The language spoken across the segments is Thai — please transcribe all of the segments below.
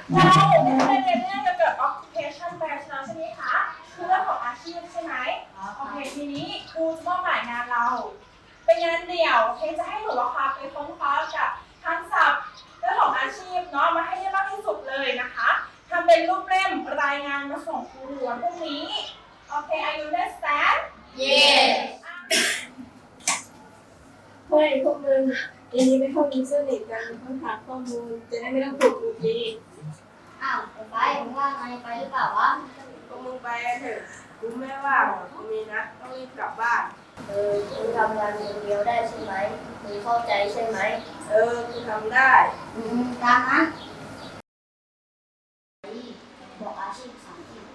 เราได้เรียนเรื่องเกี่ยวกับ occupation ไปแล้วใช่ไหมคะคือเรื่องของอาชีพใช่ไหมโอเคทีนี้ครูจะมอบหมายงานเราเป็นงานเดี่ยวเคจะให้หนูอะค่ะไปค้นคว้ากับทักษะเรื่องของอาชีพเนาะมาให้ได้มากที่สุดเลยนะคะทำเป็นรูปเล่มรายงานมาส่งครูวันพรุ่งนี้โอเค Are you understand Yes เฮ้ยพวกมึงทีนี้ไม่เข้ากินเสื้อเด็กกันต้องหาข้อมูลจะได้ไม่ต้องถูกดูดีอ้าวไปมึงว่าไงไปหรือเปล่าวะพวกมึงไปเถอะกูไม่ว่างกูมีนัดต้องรีบกลับบ้านมึงทำงานคนเดียวได้ใช่ไหมมึงเข้าใจใช่ไหมกูทำได้ตามนั้นบอกอาชีพสามที่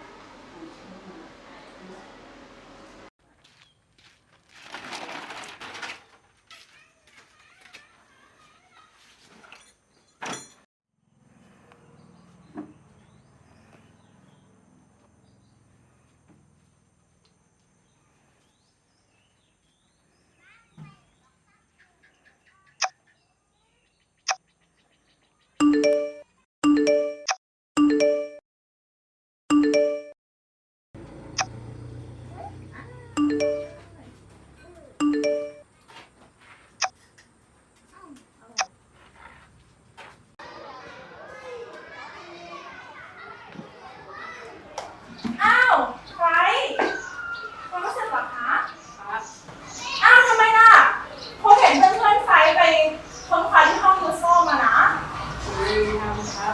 อ้าวใครยังไม่เสร็จเหรอคะครับอ้าวทำไมล่ะครูเห็นเพื่อนๆไฟไปค้นคว้าที่ห้องยูโซมานะทำครับ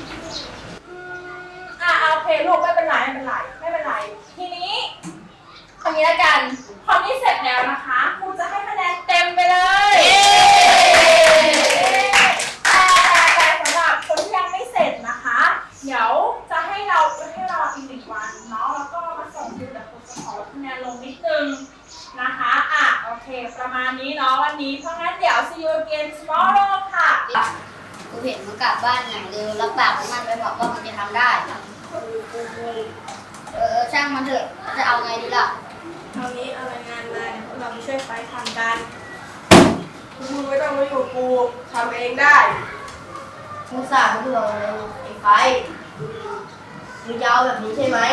โอเคลูกไม่เป็นไรทีนี้คนนี้ละกันคนที่เสร็จแล้วนะคะครูจะให้คะแนนเต็มไปเลยแต่สำหรับคนที่ยังไม่เสร็จนะคะเดี๋ยวจะให้เราอีก1 วันเนาะแล้วก็มาส่งครูแต่ครูจะขอลดคะแนนลงนิดนึงนะคะโอเคประมาณนี้เนาะวันนี้เพราะงั้นเดี๋ยว see you again tomorrow ค่ะกูเห็นมึงกลับบ้านอย่างเร็วรับปากมันไปบอกว่ามันจะทำได้ช่างมันเถอะจะเอาไงดีล่ะคราวนี้เอารายงานมาเดี๋ยวพวกเราไปช่วยไฟทำกันมึงไม่ต้องมาอยู่กูทำเองได้มึงสั่งเรื่องอะไรไอ้ไฟมึงยาวแบบนี้ใช่ไหม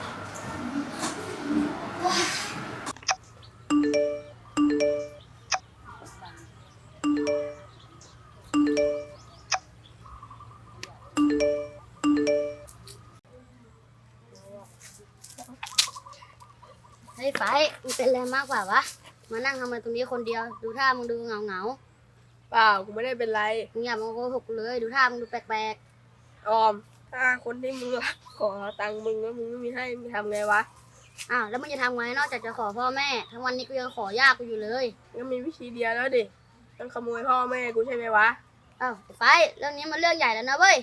เฮ้ยไฟมึงเป็นอะไรมากกว่าวะมานั่งทำอะไรตรงนี้คนเดียวดูท่ามึงดูเหงาเปล่ากูไม่ได้เป็นไรมึงอย่ามาโกหกกูเลยดูท่ามึงดูแปลกออม ถ้าคนที่มึงรักขอตังค์มึงแล้วมึงไม่มีให้มึงทำไงวะๆแล้วมึงจะทำไงนอกจากจะขอพ่อแม่ทั้งวันนี้กูยังขอยากกูอยู่เลยก็มีวิธีเดียวแล้วดิต้องขโมยพ่อแม่กูใช่ไหมวะไฟเรื่องนี้มันเรื่องใหญ่แล้วนะเว้ย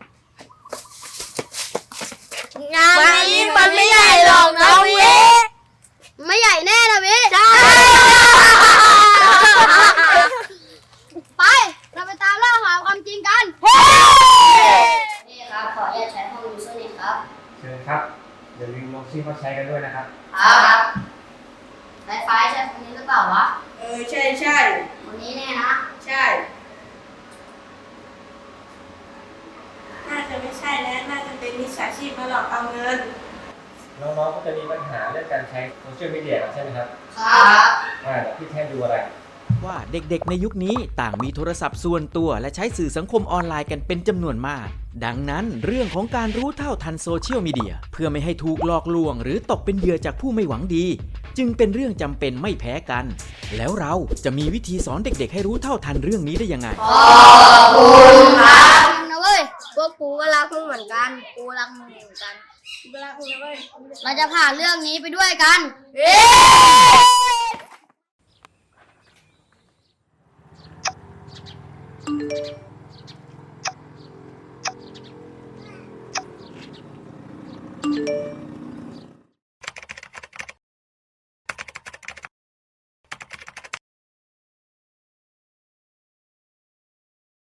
งานนี้มันไม่ใหญ่หรอกนะวิไม่ใหญ่แน่นะวิใช่ไปเราไปตามล่าหาความจริงกันนี่ครับขออนุญาตใช้ห้องยูเซอร์เน็ตครับเชิญครับอย่าลืมลงชื่อเขาใช้กันด้วยนะครับครับไฟใช่คนนี้หรือเปล่าวะใช่ใช่คนนี้แน่นะใช่น่าจะไม่ใช่แล้วน่าจะเป็นมิจฉาชีพมาหลอกเอาเงินน้องๆก็จะมีปัญหาเรื่องการใช้โซเชียลมีเดียใช่ไหมครับครับเดี๋ยวพี่แทนดูอะไรว่าเด็กๆในยุคนี้ต่างมีโทรศัพท์ส่วนตัวและใช้สื่อสังคมออนไลน์กันเป็นจำนวนมาก ดังนั้นเรื่องของการรู้เท่าทันโซเชียลมีเดียเพื่อไม่ให้ถูกหลอกลวงหรือตกเป็นเหยื่อจากผู้ไม่หวังดี จึงเป็นเรื่องจำเป็นไม่แพ้กัน แล้วเราจะมีวิธีสอนเด็กๆให้รู้เท่าทันเรื่องนี้ได้ยังไงขอบคุณครับนะเว้ยพวกกูก็รักมึงเหมือนกันกูรักมึงเหมือนกันเวลาคุณนะเว้ยเราจะผ่านเรื่องนี้ไปด้วยกันเ